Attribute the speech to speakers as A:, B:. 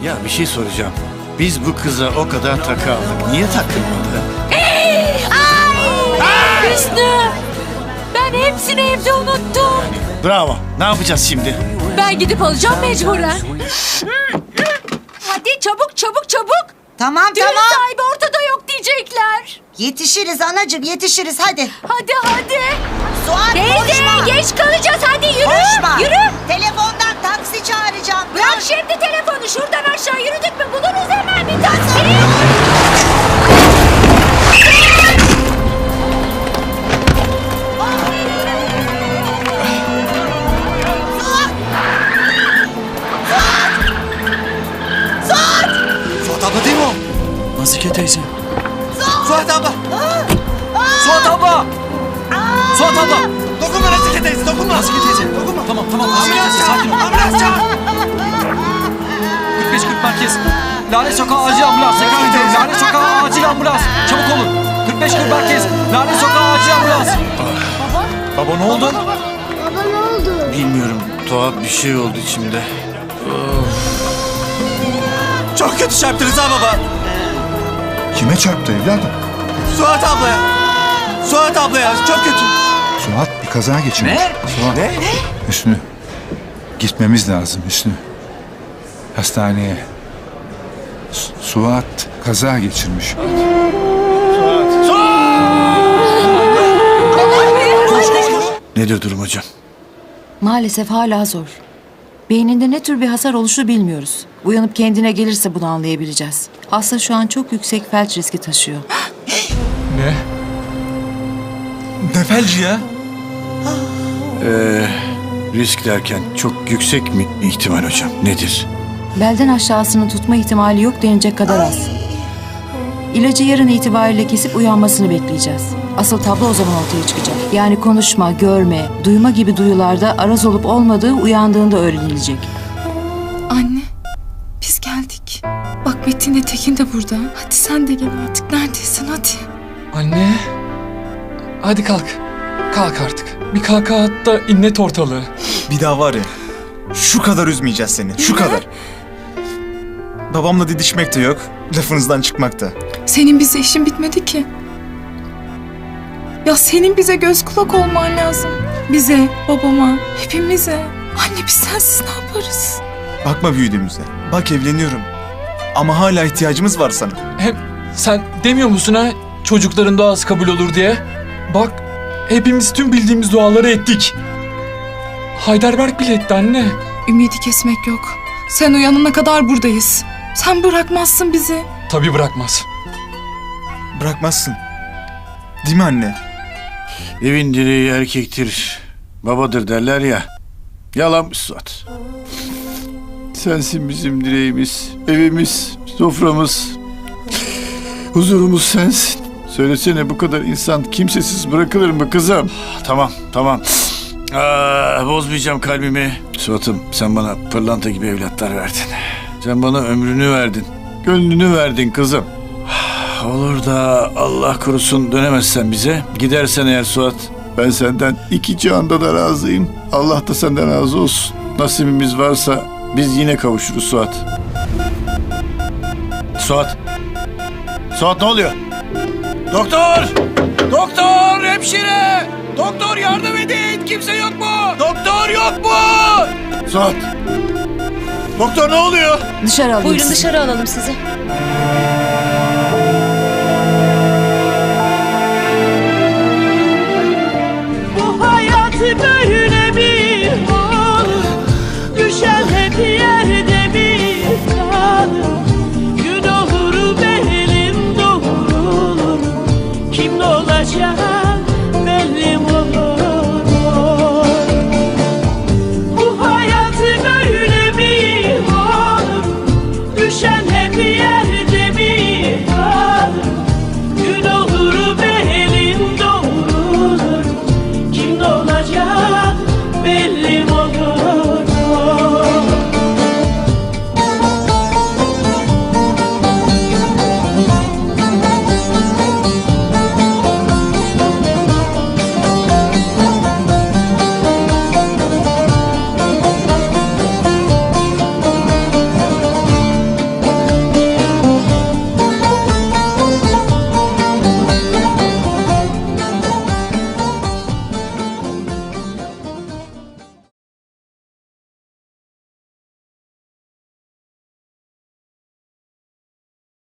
A: Ya bir şey soracağım. Biz bu kıza o kadar takı aldık. Niye takılmadı?
B: Hüsnü! Ben hepsini evde unuttum.
A: Bravo. Ne yapacağız şimdi?
B: Ben gidip alacağım mecburen. Hadi çabuk çabuk çabuk.
C: Tamam
B: Düğün
C: tamam.
B: sahibi ortada yok diyecekler.
C: Yetişiriz anacığım yetişiriz hadi.
B: Hadi.
C: Suat
B: Teyze
C: konuşma.
B: geç kalacağız hadi yürü.
C: Konuşma.
B: Yürü.
C: Telefondan taksi çağıracağım.
B: Bırak şimdi telefonu, şuradan aşağı yürüdük mü buluruz hemen bir taksi.
D: Suat abla değil mi o? Nazike teyze. Suat abla. Suat abla. Suat abla. Dokunma Nazike teyze, dokunma. Nazike teyze, dokunma. Tamam, Nazike teyze, sakin ol. Ambulans çağır. 45-40 merkez. Lale Sokağı acil ambulans. Tekrar ediyorum. Lale Sokağı acil ambulans. Çabuk olun. 45-40 merkez. Lale Sokağı acil ambulans. Baba ne oldu?
A: Bilmiyorum. Tuhaf bir şey oldu içimde.
D: Çok kötü çarptınız ha baba.
E: Kime çarptı evladım?
D: Suat ablaya. Suat ablaya çok kötü.
E: Suat bir kaza geçirmiş.
D: Ne?
E: Suat.
D: Ne?
E: Hüsnü. Gitmemiz lazım Hüsnü. Hastaneye. Suat kaza geçirmiş.
A: Nedir durum hocam?
F: Maalesef hala zor. Beyninde ne tür bir hasar oluşu bilmiyoruz. Uyanıp kendine gelirse bunu anlayabileceğiz. Hasta şu an çok yüksek felç riski taşıyor.
D: Ne? Ne felci ya?
A: Risk derken çok yüksek mi ihtimal hocam? Nedir?
F: Belden aşağısını tutma ihtimali yok denecek kadar az. İlacı yarın itibariyle kesip uyanmasını bekleyeceğiz. Asıl tablo o zaman ortaya çıkacak. Yani konuşma, görme, duyma gibi duyularda araz olup olmadığı uyandığında öğrenilecek.
G: Anne, biz geldik. Bak Metin Tekin de burada. Hadi sen de gel artık. Neredesin hadi.
H: Anne. Hadi kalk. Kalk artık. Bir kahkaha at da inlet ortalığı.
I: Bir daha var ya, şu kadar üzmeyeceğiz seni, şu kadar. Babamla didişmek de yok, lafınızdan çıkmak da.
G: Senin bize işin bitmedi ki. Ya senin bize göz kulak olman lazım. Bize, babama, hepimize. Anne biz sensiz ne yaparız?
I: Bakma büyüdüğümüze, bak evleniyorum. Ama hala ihtiyacımız var sana.
H: Hem sen demiyor musun ha çocukların duası kabul olur diye? Bak hepimiz tüm bildiğimiz duaları ettik. Heidelberg bile etti anne.
G: Ümidi kesmek yok. Sen uyanana kadar buradayız. Sen bırakmazsın bizi.
H: Tabii bırakmaz.
I: Bırakmazsın. Değil mi anne?
A: Evin direği erkektir, babadır derler ya. Yalanmış Suat. Sensin bizim direğimiz, evimiz, soframız. Huzurumuz sensin. Söylesene bu kadar insan kimsesiz bırakılır mı kızım? Tamam. Bozmayacağım kalbimi. Suat'ım sen bana pırlanta gibi evlatlar verdin. Sen bana ömrünü verdin. Gönlünü verdin kızım. Olur da Allah korusun dönemezsen bize. Gidersen eğer Suat, ben senden iki cihanda da razıyım. Allah da senden razı olsun. Nasibimiz varsa biz yine kavuşuruz Suat. Suat ne oluyor? Doktor, hemşire! Doktor yardım edin! Kimse yok mu? Doktor yok mu? Suat! Doktor ne oluyor?
F: Dışarı alayım
B: Buyurun
F: sizi.
B: dışarı alalım sizi.